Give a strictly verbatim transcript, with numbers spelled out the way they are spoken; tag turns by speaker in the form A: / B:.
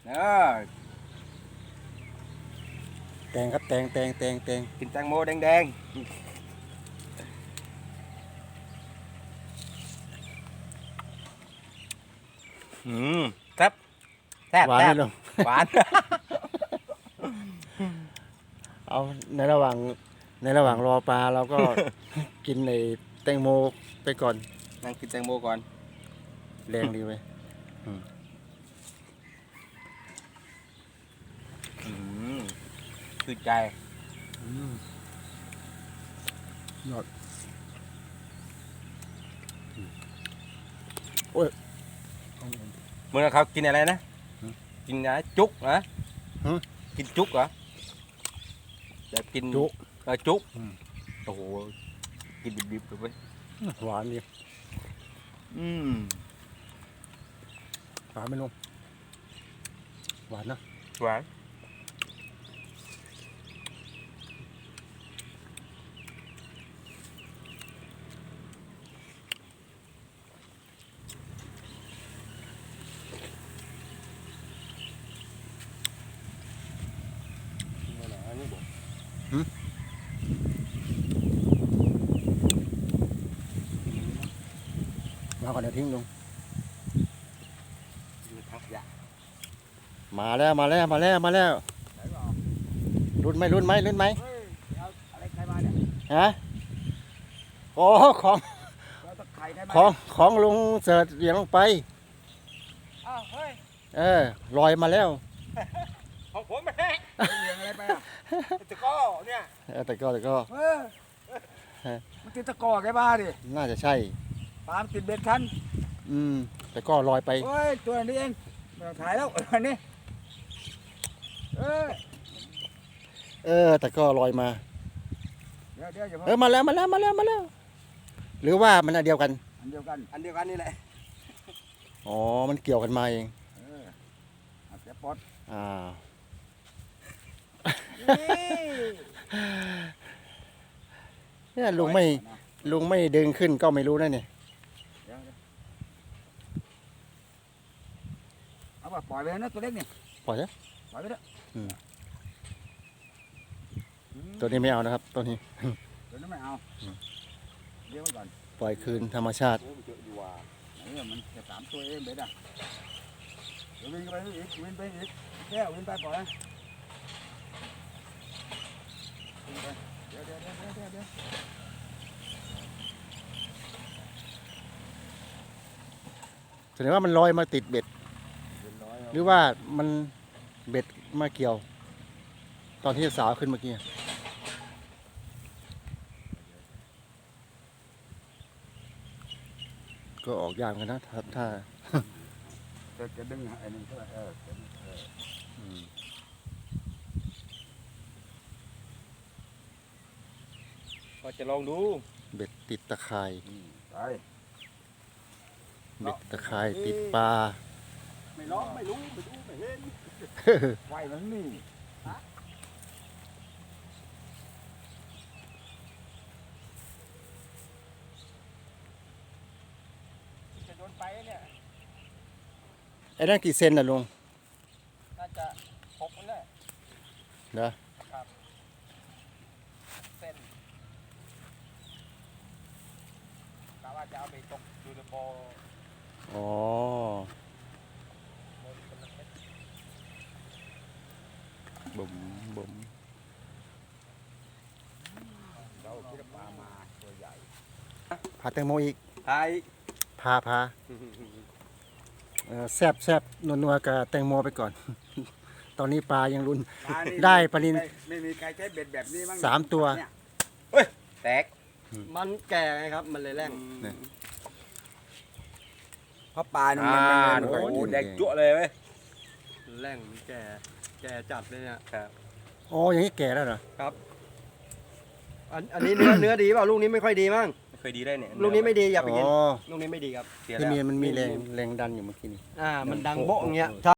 A: เออ
B: แตงครับแตงแตงแตงแตง
A: กินแตงโมแดงๆอืมแซ่บแซ่บ
B: หวาน
A: แซ่
B: ไหม
A: บ
B: ลุง
A: หวาน
B: เอาในระหว่างในระหว่างรอปลาเราก็ กินในแตงโมไปก่อน
A: นั่งกินแตงโมก่อน
B: แรงดีไป
A: อืมคือใจ
B: ยอดโอ้ย
A: เมื่อเขากินอะไรนะ
B: หืม
A: กินอะไรจุกนะ
B: หืม
A: กินจุกเหรอจะกิน
B: จุ
A: เออจุก
B: อืม
A: โอ้โหกินดิบๆเลยเว้ย
B: หวานดี
A: อืม
B: หวานไหมลุงหวานนะ
A: หวานนี่บอก
B: มาก่อนเดี๋ยวทิ้งลุง
A: ดูทักยา
B: มาแล้วมาแล้วมาแล้วมาแล้ว
A: ไหนบอก
B: รุ่นไหมรุ่นไหมรุ่นไหม
A: เฮ้ยเอาอะไรใครมาเนี่ย
B: ฮะโอ้ของ
A: เราต้องไข่ใครมา
B: ของของลุงเสิร์ชเหวี่ยงลงไป
A: อ้าวเฮ้ย
B: เออลอยมาแล้ว
A: ของผมแม่เลี้ยงอะไรไปอ่ะตะก้อเนี่ย
B: เออแต่ก็แต่ก็
A: เออมันติดตะก้อแกบ้าดิ
B: น่าจะใช่
A: ปามติดเบ็ดคัน
B: อืมแต่ก็ลอยไป
A: เฮ้ยตัวนี้เองไม่ต้องถ่ายแล้วอันนี้เออ
B: เออแต่ก็ลอยมา
A: เดี๋ยวเดี๋ยวอย่า
B: เอ
A: เพิ่
B: อง มาแล้วมาแล้วมาแล้วมาแล้ว หรือว่ามันอันเดียวกัน
A: อันเดียวกันอันเดียวกันนี่แหละ
B: อ๋อมันเกี่ยวกันมาเอง
A: เออเอาเสียปลด
B: อ่า
A: นี่
B: เนี่ยลุงไม่ลุงไม่ดึงขึ้นก็ไม่รู้นะเนี่ย
A: เดี๋ยวเดี๋ยวเอาป่ะปล่อยไปนะตัวเล็กนี่
B: ปล่อยเถอะ
A: ปล่อยไปเถอะ
B: อืม
A: อืม
B: ตัวนี้ไม่เอานะครับตัวนี้
A: เดี๋ยวนั้นไม่เอา
B: อืม
A: เดี๋ยวไว้ก่อน
B: ปล่อยคืนธรรมชาติ
A: โอ้ยมันเยอะดีว่าไหนอะมันจะสามตัวเองเบ็ดอ่ะเดี๋ยววิ่งไปอีกวิ่งไปอีกแก้ววิ่งไปปล่อยนะวิ่งไปเดี๋ยวเดี๋ยวเดี๋ยวเดี๋ยวเดี๋ยว
B: แสดงว่ามันลอยมาติดเบ็ด
A: เรียบร้อย
B: หรือว่ามันเบ็ดมาเกี่ยว ตอนที่สาวขึ้นเมื่อกี้ก็ออกยากเหมือนกันนะถ้าถ้า
A: จะจะดึงไอ้นี่เท่าไหร่เออเออ
B: อืม
A: ก็จะลองดู
B: เบ็ดติดตะข่าย
A: ไป
B: เบ็ดตะข่ายติดปลา
A: ไม่ร้องไม่รู้ไม่รู้ไม่เห็นไหวมันนี่จะโดนไปเนี่ย
B: ไอ้นั่นกี่เซนน่ะลุง
A: น่าจะหกนั่นแหละ
B: เนอะ
A: เส้นกะว่าจะเอาไปตกดูในบ่อ
B: อ๋อ
A: บ่อเป็นเม็ด
B: บุ๋มบุ๋ม
A: เราคิดว่าปลามาตัวใหญ่
B: พาแตงโมอีก
A: ไทย
B: พาพาเออแซบแซบนัวนัวๆกับแตงโมไปก่อน ตอนนี้ปลายังรุน ได้ปลานิล
A: ไม่ไม่มีใครใช้เบ็ดแบบนี้มั้ง
B: สามตัว
A: เนี่ยเฮ้ยแตก
C: มันแก่ไงครับ มันเลยแรง
B: เนี่ย
A: เพราะปลาเนี่ย
B: อ่า
A: มันมัน
B: โอ้
A: โอ้
B: โห
A: โหแดงจั่วเลยเว้ย
C: แรงมันแก่ แก่จัดเลยเนี่ย
A: ครับ
B: อ๋ออย่างนี้แก่แล้วเหรอ
C: อันอันนี้เนื้อ เนื้อดีเปล่าลูกนี้ไม่ค่อยดีมั้ง
A: ไม่เคยดีได้เนี่ย
C: ลูกนี้ไม่ดีอย่าไป
B: อ๋
C: กิน
B: อ
C: ลูกนี้ไม่ดีครับ
A: เสีย
B: ที่
A: แล้ว
B: มีมันมีแรงแรงดันอยู่เมื่อกี้นี่
C: อ่า มันดังโบ๊ะอย่างเงี้ย